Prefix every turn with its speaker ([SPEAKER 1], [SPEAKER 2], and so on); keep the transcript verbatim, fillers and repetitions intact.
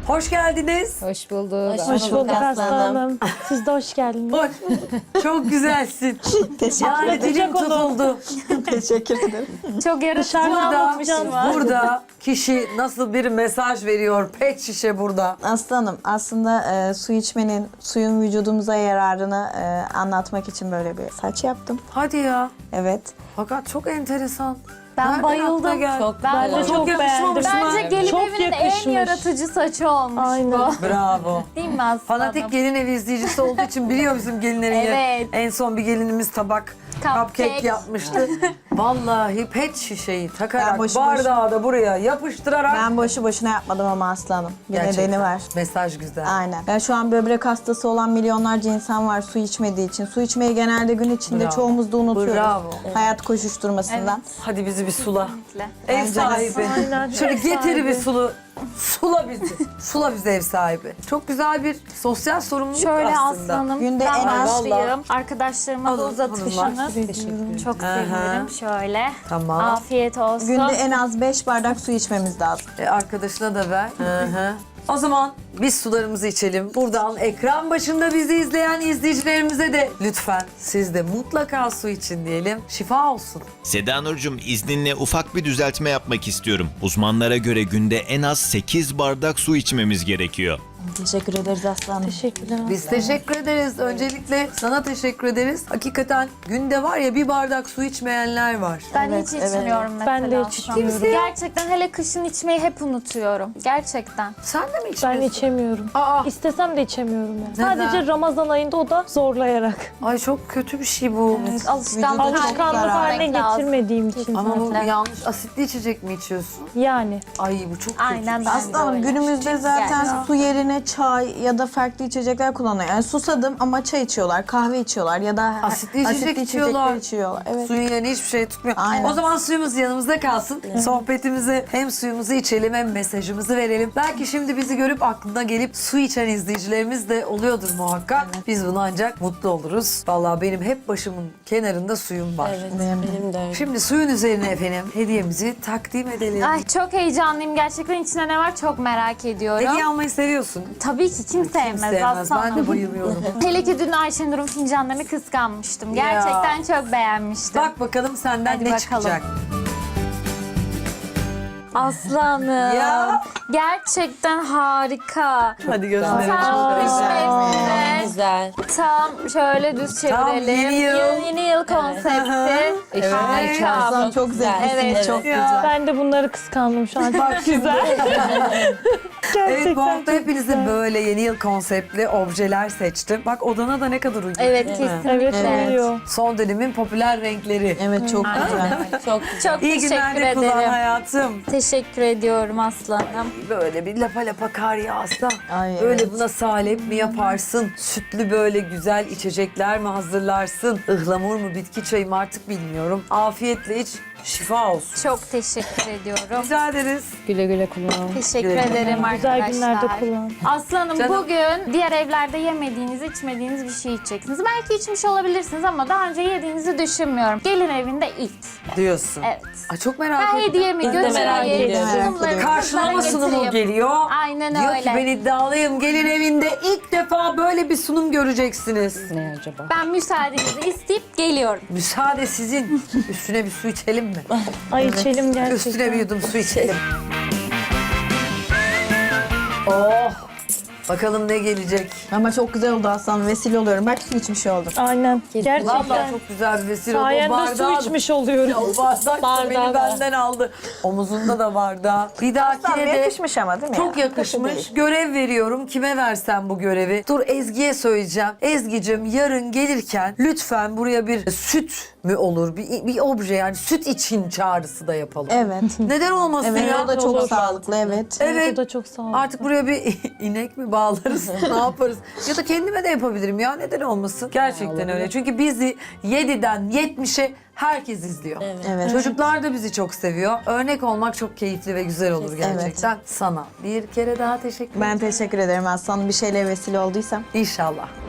[SPEAKER 1] Hoş geldiniz.
[SPEAKER 2] Hoş bulduk.
[SPEAKER 3] Hoş bulduk aslanım. Siz de hoş geldiniz.
[SPEAKER 1] Hoş. Çok güzelsin. Yani dilim tutuldu.
[SPEAKER 4] Teşekkür ederim.
[SPEAKER 2] Çok yarışma
[SPEAKER 1] Burada,
[SPEAKER 2] anlatmışım var.
[SPEAKER 1] burada kişi nasıl bir mesaj veriyor? Pet şişe burada.
[SPEAKER 4] Aslanım aslında e, su içmenin, suyun vücudumuza yararını e, anlatmak için böyle bir saç yaptım.
[SPEAKER 1] Hadi ya.
[SPEAKER 4] Evet.
[SPEAKER 1] Fakat çok enteresan.
[SPEAKER 2] Ben
[SPEAKER 1] Nereden
[SPEAKER 2] bayıldım.
[SPEAKER 1] aklına geldi?
[SPEAKER 2] Çok
[SPEAKER 3] Ben de
[SPEAKER 1] Çok
[SPEAKER 3] çok
[SPEAKER 1] yakışmamış
[SPEAKER 3] beğendim.
[SPEAKER 1] mı?
[SPEAKER 2] Bence gelin
[SPEAKER 3] Çok
[SPEAKER 2] evinin
[SPEAKER 3] yakışmış.
[SPEAKER 2] en yaratıcı saçı olmuş
[SPEAKER 3] Aynen.
[SPEAKER 2] bu.
[SPEAKER 1] Bravo.
[SPEAKER 2] Değil mi Aslı
[SPEAKER 1] Fanatik
[SPEAKER 2] Hanım?
[SPEAKER 1] gelin evi izleyicisi olduğu için biliyor bizim gelinlerin
[SPEAKER 2] Evet.
[SPEAKER 1] yer- En son bir gelinimiz tabak
[SPEAKER 2] Cupcake.
[SPEAKER 1] cupcake yapmıştı. Vallahi pet şişeyi takarak
[SPEAKER 4] Ben boşu
[SPEAKER 1] bardağı da buraya yapıştırarak.
[SPEAKER 4] Ben boşu boşuna yapmadım ama aslanım. Bir
[SPEAKER 1] Gerçekten.
[SPEAKER 4] nedeni var.
[SPEAKER 1] Mesaj güzel.
[SPEAKER 4] Aynen. Ya şu an böbrek hastası olan milyonlarca insan var su içmediği için. Su içmeyi genelde gün içinde
[SPEAKER 1] Bravo.
[SPEAKER 4] çoğumuz da unutuyoruz.
[SPEAKER 1] Bravo.
[SPEAKER 4] Hayat koşuşturmasından.
[SPEAKER 1] Hadi bizi bir sula.
[SPEAKER 2] Kesinlikle.
[SPEAKER 1] Ev
[SPEAKER 4] Bence de.
[SPEAKER 1] sahibi.
[SPEAKER 3] Aynen,
[SPEAKER 1] Şöyle
[SPEAKER 3] ev
[SPEAKER 1] getir
[SPEAKER 3] sahibi.
[SPEAKER 1] bir sulu. Sula bizi. Sula bizi ev sahibi. Çok güzel bir sosyal sorumluluk
[SPEAKER 2] Şöyle
[SPEAKER 1] aslında.
[SPEAKER 2] aslanım.
[SPEAKER 4] Günde
[SPEAKER 2] ben
[SPEAKER 4] en az-
[SPEAKER 2] başlayayım. Arkadaşlarıma da
[SPEAKER 1] Alın,
[SPEAKER 2] uzatırsanız.
[SPEAKER 1] hanımlar.
[SPEAKER 2] Çok
[SPEAKER 1] Aha.
[SPEAKER 2] sevinirim. Şöyle.
[SPEAKER 1] Tamam.
[SPEAKER 2] Afiyet olsun.
[SPEAKER 4] Günde en az beş bardak su içmemiz lazım.
[SPEAKER 1] E, arkadaşına da ver. Hı hı. O zaman biz sularımızı içelim. Buradan ekran başında bizi izleyen izleyicilerimize de lütfen siz de mutlaka su için diyelim. Şifa olsun.
[SPEAKER 5] Seda Nurcuğum, izninle ufak bir düzeltme yapmak istiyorum. Uzmanlara göre günde en az sekiz bardak su içmemiz gerekiyor.
[SPEAKER 4] Teşekkür ederiz aslanım.
[SPEAKER 3] Teşekkürler.
[SPEAKER 1] Biz teşekkür ederiz. Öncelikle sana teşekkür ederiz. Hakikaten günde var ya bir bardak su içmeyenler var.
[SPEAKER 2] Ben
[SPEAKER 4] Evet,
[SPEAKER 2] hiç
[SPEAKER 4] evet.
[SPEAKER 2] içmiyorum mesela.
[SPEAKER 3] Ben de hiç
[SPEAKER 2] aslanım.
[SPEAKER 3] içmiyorum.
[SPEAKER 2] Gerçekten hele kışın içmeyi hep unutuyorum. Gerçekten.
[SPEAKER 1] Sen de mi
[SPEAKER 3] Ben
[SPEAKER 1] içmiyorsun?
[SPEAKER 3] içemiyorum.
[SPEAKER 1] Aa,
[SPEAKER 3] İstesem de içemiyorum yani.
[SPEAKER 1] Neden?
[SPEAKER 3] Sadece Ramazan ayında o da zorlayarak.
[SPEAKER 1] ay çok kötü bir şey bu.
[SPEAKER 2] Alışkanlık,
[SPEAKER 4] Vücuda çok
[SPEAKER 3] Alışkanlık
[SPEAKER 4] zarar.
[SPEAKER 3] haline getirmediğim için.
[SPEAKER 1] Ama bu
[SPEAKER 2] Kesinlikle.
[SPEAKER 1] yanlış asitli içecek mi içiyorsun?
[SPEAKER 3] Yani.
[SPEAKER 1] Ay bu çok kötü.
[SPEAKER 2] Aynen ben de
[SPEAKER 4] Aslanım
[SPEAKER 2] öyle.
[SPEAKER 4] günümüzde zaten
[SPEAKER 2] Gerçekten.
[SPEAKER 4] su yerine çay ya da farklı içecekler kullanıyor. Yani susadım ama çay içiyorlar, kahve içiyorlar ya da
[SPEAKER 1] Asitli içecek
[SPEAKER 4] asitli
[SPEAKER 1] içiyorlar.
[SPEAKER 4] içecekler içiyorlar. Evet.
[SPEAKER 1] Suyun yerine hiçbir şey tutmuyor.
[SPEAKER 4] Aynen.
[SPEAKER 1] O zaman suyumuz yanımızda kalsın. Sohbetimizi hem suyumuzu içelim hem mesajımızı verelim. Belki şimdi bizi görüp aklına gelip su içen izleyicilerimiz de oluyordur muhakkak. Biz bunu ancak mutlu oluruz. Vallahi benim hep başımın kenarında suyum var.
[SPEAKER 4] Benim de.
[SPEAKER 2] Benim de öyle.
[SPEAKER 1] Şimdi suyun üzerine efendim hediyemizi takdim edelim.
[SPEAKER 2] Ay çok heyecanlıyım. Gerçekten içinde ne var çok merak ediyorum.
[SPEAKER 1] Hediye almayı seviyorsun.
[SPEAKER 2] Tabii ki kim sevmez,
[SPEAKER 1] Sevmez.
[SPEAKER 2] aslanım.
[SPEAKER 1] Ben de bayılıyorum.
[SPEAKER 2] Hele ki dün Ayşenur'un fincanlarını kıskanmıştım. Gerçekten çok beğenmiştim.
[SPEAKER 1] Bak bakalım senden
[SPEAKER 2] Hadi
[SPEAKER 1] ne
[SPEAKER 2] bakalım.
[SPEAKER 1] çıkacak.
[SPEAKER 2] Aslanım.
[SPEAKER 1] Ya.
[SPEAKER 2] Gerçekten harika.
[SPEAKER 1] Hadi gösterelim.
[SPEAKER 2] Tam kış mevsimine.
[SPEAKER 6] Güzel.
[SPEAKER 2] Tam şöyle düz çevirelim.
[SPEAKER 1] Tam yeni yıl.
[SPEAKER 2] Yeni, yeni yıl konsepti.
[SPEAKER 1] Evet.
[SPEAKER 2] Harika.
[SPEAKER 4] Aslanım çok zevklisiniz,
[SPEAKER 2] Evet.
[SPEAKER 4] çok
[SPEAKER 1] Ya.
[SPEAKER 4] güzel.
[SPEAKER 3] Ben de bunları kıskandım şu an. Çok güzel.
[SPEAKER 1] Evet bu hafta
[SPEAKER 3] çok
[SPEAKER 1] hepinize
[SPEAKER 3] güzel.
[SPEAKER 1] böyle yeni yıl konseptli objeler seçtim. Bak odana da ne kadar uygun.
[SPEAKER 2] Evet
[SPEAKER 1] değil mi?
[SPEAKER 2] kesinlikle.
[SPEAKER 3] Evet, oluyor.
[SPEAKER 1] Son dönemin popüler renkleri.
[SPEAKER 4] Evet çok
[SPEAKER 2] Aynen
[SPEAKER 4] güzel.
[SPEAKER 2] öyle.
[SPEAKER 6] Çok
[SPEAKER 2] Çok
[SPEAKER 1] İyi
[SPEAKER 2] teşekkür
[SPEAKER 1] günlerde kullan
[SPEAKER 2] ederim.
[SPEAKER 1] hayatım.
[SPEAKER 2] Teşekkür ediyorum aslanım.
[SPEAKER 1] Böyle bir lapa lapa kar yağsa.
[SPEAKER 4] Ay,
[SPEAKER 1] Böyle
[SPEAKER 4] evet.
[SPEAKER 1] buna salep mi yaparsın? Sütlü böyle güzel içecekler mi hazırlarsın? Ihlamur mu bitki çayı mı artık bilmiyorum. Afiyetle iç, şifa olsun.
[SPEAKER 2] Çok teşekkür ediyorum.
[SPEAKER 1] Rica ederiz.
[SPEAKER 3] Güle güle kullan.
[SPEAKER 2] Teşekkür
[SPEAKER 1] Güle güle.
[SPEAKER 2] ederim
[SPEAKER 3] Güzel
[SPEAKER 2] arkadaşlar.
[SPEAKER 3] günlerde kullan.
[SPEAKER 2] Aslanım
[SPEAKER 1] Canım.
[SPEAKER 2] bugün diğer evlerde yemediğiniz, içmediğiniz bir şey içeceksiniz. Belki içmiş olabilirsiniz ama daha önce yediğinizi düşünmüyorum. Gelin evinde ilk.
[SPEAKER 1] Diyorsun.
[SPEAKER 2] Evet.
[SPEAKER 1] Ay çok merak
[SPEAKER 2] Ben
[SPEAKER 1] ettim.
[SPEAKER 2] hediyemi
[SPEAKER 6] Ben de merak
[SPEAKER 2] götüreyim.
[SPEAKER 6] ediyorum.
[SPEAKER 2] Sunumlarımı
[SPEAKER 1] Karşılama
[SPEAKER 2] kızlara
[SPEAKER 1] sunumu
[SPEAKER 2] getireyim.
[SPEAKER 1] geliyor.
[SPEAKER 2] Aynen
[SPEAKER 1] Diyor
[SPEAKER 2] öyle.
[SPEAKER 1] ki ben iddialıyım. Gelin evinde ilk defa böyle bir sunum göreceksiniz.
[SPEAKER 6] ne acaba?
[SPEAKER 2] Ben müsaadenizi isteyip geliyorum.
[SPEAKER 1] Müsaade sizin. Üstüne bir su içelim mi?
[SPEAKER 3] Ay içelim gerçekten.
[SPEAKER 1] Üstüne bir yudum su içelim. Oh! Bakalım ne gelecek.
[SPEAKER 4] Ama çok güzel oldu aslanım. Vesile oluyorum. Bak su içmiş oldum.
[SPEAKER 3] Aynen.
[SPEAKER 1] Vallahi
[SPEAKER 3] Gerçekten.
[SPEAKER 1] çok güzel bir vesile oldu. O
[SPEAKER 3] Sayende su
[SPEAKER 1] bardağı-
[SPEAKER 3] içmiş oluyorum.
[SPEAKER 1] O bardak da beni
[SPEAKER 6] Bardağı da.
[SPEAKER 1] benden aldı. Omuzunda da bardağı. Bir
[SPEAKER 4] Aslanım
[SPEAKER 1] dahakine de
[SPEAKER 4] yakışmış ama değil mi?
[SPEAKER 1] çok
[SPEAKER 4] ya?
[SPEAKER 1] yakışmış.
[SPEAKER 4] Kötü değil.
[SPEAKER 1] Görev veriyorum. Kime versem bu görevi? Dur Ezgi'ye söyleyeceğim. Ezgi'cim yarın gelirken lütfen buraya bir süt mü olur? Bir, bir obje yani süt için çağrısı da yapalım.
[SPEAKER 4] Evet.
[SPEAKER 1] Neden olmasın
[SPEAKER 4] Evet
[SPEAKER 1] ya?
[SPEAKER 4] o da çok
[SPEAKER 3] Olur.
[SPEAKER 4] sağlıklı evet.
[SPEAKER 1] Evet.
[SPEAKER 3] O da çok sağ ol.
[SPEAKER 1] Artık buraya bir inek mi bağlarız? Ne yaparız? Ya da kendime de yapabilirim ya. Neden olmasın? Gerçekten öyle. Çünkü bizi yediden yetmişe herkes izliyor.
[SPEAKER 4] Evet.
[SPEAKER 1] Çocuklar da bizi çok seviyor. Örnek olmak çok keyifli ve güzel olur gerçekten. Sana bir kere daha teşekkür ederim.
[SPEAKER 4] Ben teşekkür ederim aslanım. Bir şeyle vesile olduysam.
[SPEAKER 1] İnşallah.